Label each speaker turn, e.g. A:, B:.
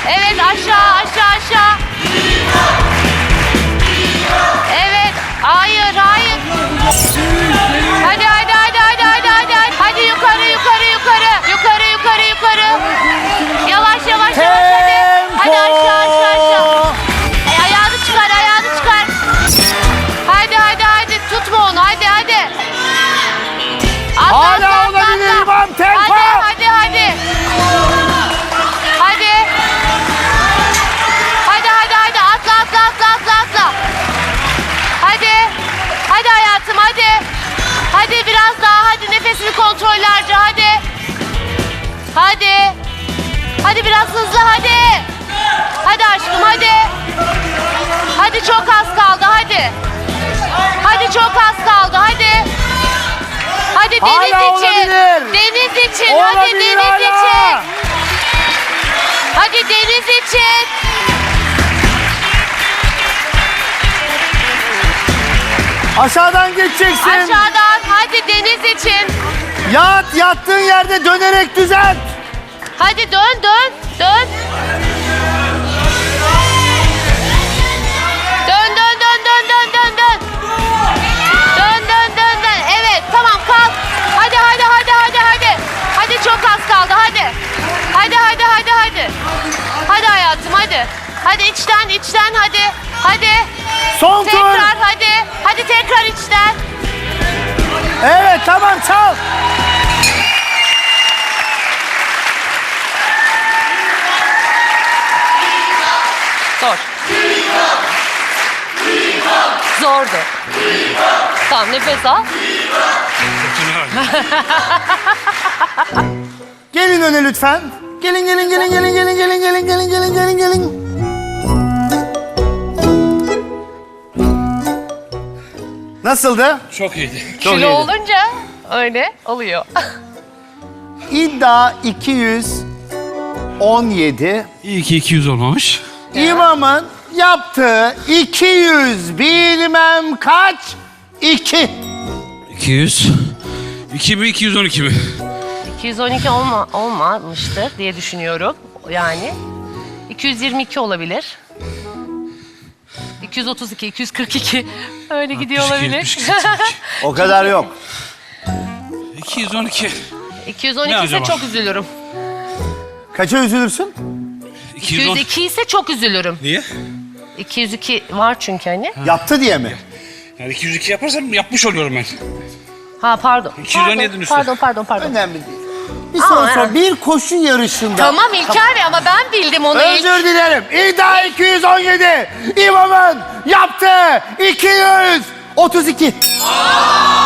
A: Evet, aşağı, aşağı, aşağı. Evet, hayır, hayır. Hadi, hadi, hadi, hadi, hadi, hadi. Hadi yukarı, yukarı, yukarı. Yukarı, yukarı, yukarı. Yavaş, yavaş, yavaş, hadi. Hadi aşağı, aşağı, aşağı. Ayağını çıkar, ayağını çıkar. Hadi, hadi, hadi. Tutma onu, hadi, hadi. Atla,
B: Hala
A: atla, atla,
B: olabilir
A: atla.
B: İmam, tempo.
A: Hadi, hadi, hadi. Hadi. Hadi, hadi, hadi. Atla, atla, atla, atla, atla. Hadi. Hadi hayatım, hadi. Hadi biraz daha, hadi nefesini kontrollerce, hadi. Hadi. Hadi biraz hızlı, hadi. Hadi aşkım, hadi. Hadi çok az kaldı, hadi. Hadi çok az kaldı, hadi. Hadi deniz
B: Hala
A: için.
B: olabilir.
A: Deniz için, hadi
B: Olabilir
A: deniz
B: hala.
A: için. Hadi deniz için.
B: Aşağıdan geçeceksin.
A: Aşağıdan, hadi deniz için.
B: Yat, yattığın yerde dönerek düzelt.
A: Hadi dön, dön, dön. Dön, dön, dön, dön, dön, dön, dön. Dön, dön, dön, dön. Evet, tamam kalk. Hadi, hadi, hadi, hadi, hadi. Hadi çok az kaldı, hadi. Hadi, hadi, hadi, hadi. Hadi hayatım, hadi. Hadi içten, içten, hadi. Hadi.
B: Son tur.
A: Tekrar, hadi. Hadi tekrar içten.
B: Evet, tamam, çal.
A: Zor. Zordu. Tamam, nefes al.
B: Gelin öne lütfen. Gelin, gelin, gelin, gelin, gelin, gelin, gelin, gelin, gelin, gelin, gelin. Nasıldı?
C: Çok iyiydi.
B: Çok
A: Kilo
B: iyiydi.
A: olunca öyle oluyor.
B: İddia 217.
C: İyi ki 200 olmamış.
B: İmamın yaptığı 200 bilmem kaç? 2.
C: 200. 2 mi 212 mi?
A: 212 olmamıştır diye düşünüyorum. Yani 222 olabilir. 232, 242 öyle gidiyor
C: 62,
A: olabilir.
C: 72, 72.
B: O kadar yok.
C: 212.
A: 212
C: Ne
A: ise
C: acaba?
A: çok üzülürüm.
B: Kaça üzülürsün?
C: 210.
A: 202 ise çok üzülürüm.
C: Niye?
A: 202 var çünkü hani.
B: Yaptı diye mi?
C: Yani 202 yaparsam yapmış oluyorum ben.
A: Ha pardon.
C: 217'nin üstü.
A: Pardon.
B: Önemli değil. Bir soru
A: Aa,
B: sor.
A: yani.
B: Bir koşu yarışında.
A: Tamam İlker Bey ama ben bildim onu ilk.
B: Özür dilerim. İddia 217. İmamın yaptığı 232.